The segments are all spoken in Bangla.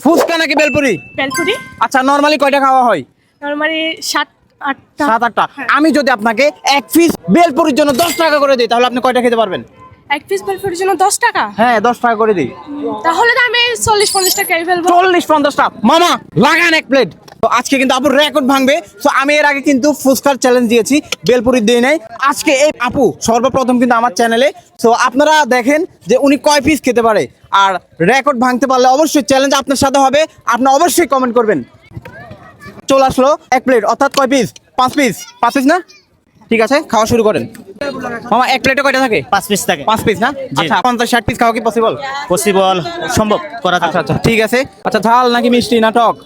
ফুচকা নাকি বেলপুরি? বেলপুরি। আচ্ছা, নরমালি কয়টা খাওয়া হয়? নরমালি 7-8টা। 7-8টা। আমি যদি আপনাকে এক পিস বেলপুরির জন্য 10 টাকা করে দিই, তাহলে আপনি কয়টা খেতে পারবেন? এক পিস বেলপুরির জন্য 10 টাকা? হ্যাঁ, 10 টাকা করে দিই। তাহলে তো আমি 40-50 টাকা খেয়ে ফেলবো। 40-50টা। মামা লাগান এক প্লেট। তো আজকে কিন্তু আপুর রেকর্ড ভাঙবে। তো আমি এর আগে কিন্তু ফুচকার চ্যালেঞ্জ দিয়েছি, বেলপুরি দিয়ে নাই। আজকে এই আপু সর্বপ্রথম কিন্তু আমার চ্যানেলে। তো আপনারা দেখেন যে উনি কয় পিস খেতে পারে। আর রেকর্ড ভাঙতে পারলে অবশ্যই চ্যালেঞ্জ আপনার সাথে হবে। আপনি অবশ্যই কমেন্ট করবেন। চলে আসলো এক প্লেট, অর্থাৎ কয় পিস? 5 পিস। 5 পিস না? ঠিক আছে, খাওয়া শুরু করেন। মামা এক প্লেটে কয়টা থাকে? 5 পিস থাকে। 5 পিস না? আচ্ছা, 50-60 পিস খাওয়া কি পসিবল? পসিবল, সম্ভব করা আচ্ছা আচ্ছা, ঠিক আছে। আচ্ছা, ঝাল নাকি মিষ্টি না টক?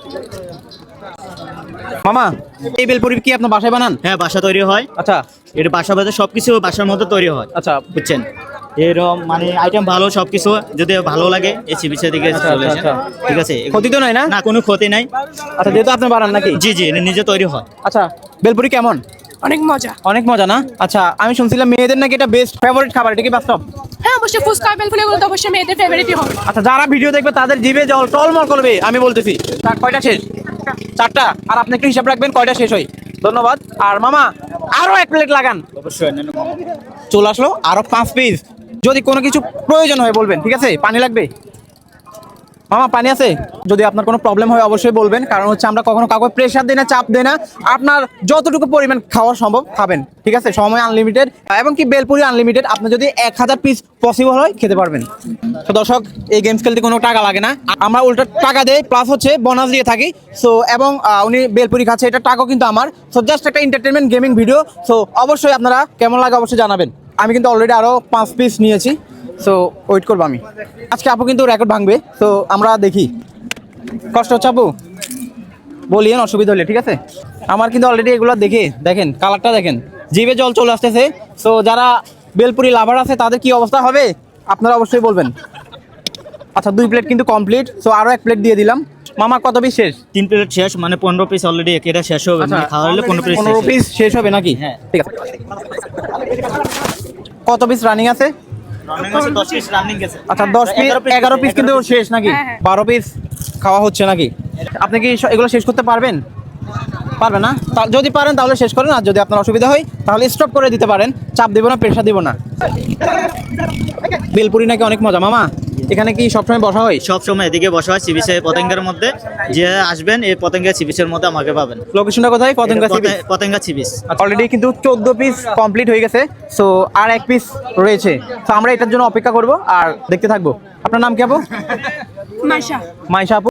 মামা, এই বেলপুরি কি আপনার বাসায় বানান? হ্যাঁ, বাসা তৈরি হয়। আচ্ছা এটা বাসা বাদে সবকিছু বাসার মধ্যে তৈরি হয়। আচ্ছা, বুঝছেন, এরকম মানে আইটেম ভালো, সবকিছু যদি ভালো লাগে এই চিবিচের দিকে চলে আসেন। আচ্ছা। ঠিক আছে, ক্ষতি তো নাই না? না, কোনো ক্ষতি নাই। আচ্ছা, যেহেতু আপনি বানান নাকি? জি জি, এটা নিজে তৈরি হয়। আচ্ছা, বেলপুরি কেমন? অনেক মজা। অনেক মজা না? আচ্ছা, আমি শুনছিলাম মেয়েদের নাকি এটা বেস্ট ফেভারিট খাবার, এটা কি বাস্তব? হ্যাঁ, অবশ্যই ফুচকা বেলপুরি গুলো তো অবশ্যই মেয়েদের ফেভারিটই হবে। আচ্ছা, যারা ভিডিও দেখবে তাদের জিভে জল টলমল করবে, আমি বলতেছি। কয়টা শেষ? 4টা। আর আপনি একটু হিসাব রাখবেন কয়টা শেষ হয়। ধন্যবাদ। আর মামা আরো এক প্লেট লাগান। অবশ্যই। চলে আসলো আরো 5 পিস। যদি কোনো কিছু প্রয়োজন হয় বলবেন, ঠিক আছে? পানি লাগবে? মামা পানি আছে? যদি আপনার কোনো প্রবলেম হয় অবশ্যই বলবেন, কারণ হচ্ছে আমরা কখনো কাউকে প্রেশার দিই না, চাপ দিই না। আপনার যতটুকু পরিমাণ খাওয়া সম্ভব খাবেন, ঠিক আছে? সময় আনলিমিটেড, এবং কি বেলপুরি আনলিমিটেড। আপনি যদি 1000 পিস পসিবল হয় খেতে পারবেন। তো দর্শক, এই গেমস খেলতে কোনো টাকা লাগে না, আমরা উল্টো টাকা দেই, প্লাস হচ্ছে বোনাস দিয়ে থাকি। সো এবং উনি বেলপুরি খাচ্ছে, এটা টাকাও কিন্তু আমার। সো জাস্ট একটা এন্টারটেনমেন্ট গেমিং ভিডিও। সো অবশ্যই আপনারা কেমন লাগে অবশ্যই জানাবেন। আমি কিন্তু অলরেডি আরও 5 পিস নিয়েছি। সো ওয়েট করবো আমি। আজকে আপু কিন্তু রেকর্ড ভাঙবে, তো আমরা দেখি। কষ্ট হচ্ছে আপু? বলিয়েন, অসুবিধা হলে, ঠিক আছে? আমার কিন্তু অলরেডি এগুলো দেখে দেখেন, কালারটা দেখেন, জিভে জল চলে আসতেছে। সো যারা বেলপুরি লাভার আছে তাদের কি অবস্থা হবে আপনারা অবশ্যই বলবেন। আচ্ছা, 2 প্লেট কিন্তু কমপ্লিট। সো আরও 1 প্লেট দিয়ে দিলাম। মামা কত পিস শেষ? 3 প্লেট শেষ, মানে 15 পিস অলরেডি এটা শেষ হবে। মানে খাওয়া হলে 15 পিস শেষ হবে নাকি? হ্যাঁ। ঠিক আছে। কত পিস রানিং আছে? 10 পিস রানিং গেছে। আচ্ছা, 10 পিস, 11 পিস কিন্তু শেষ নাকি? হ্যাঁ, হ্যাঁ। 12 পিস খাওয়া হচ্ছে নাকি? আপনি কি এগুলো শেষ করতে পারবেন? পারবেন না? যদি পারেন তাহলে শেষ করেন, আর যদি আপনার অসুবিধা হয় তাহলে স্টপ করে দিতে পারেন। চাপ দিব না, প্রেশার দিব না। বেলপুরি নাকি অনেক মজা। মামা, এখানে কি সবসময় বসা হয়? সব সময় এদিকে বসা হয় চিবিচে পতেঙ্গার মধ্যে। যে আসবেন এই পতেঙ্গা চিবিচের মধ্যে আমাকে পাবেন। লোকেশনটা কোথায়? Patenga sea beach. Patenga sea beach. Already কিন্তু 14 পিস কমপ্লিট হয়ে গেছে। সো আর 1 পিস রয়েছে। তো আমরা এটার জন্য অপেক্ষা করব আর দেখতে থাকবো। আপনার নাম কি আপু? মাইশা। মাইশা আপু।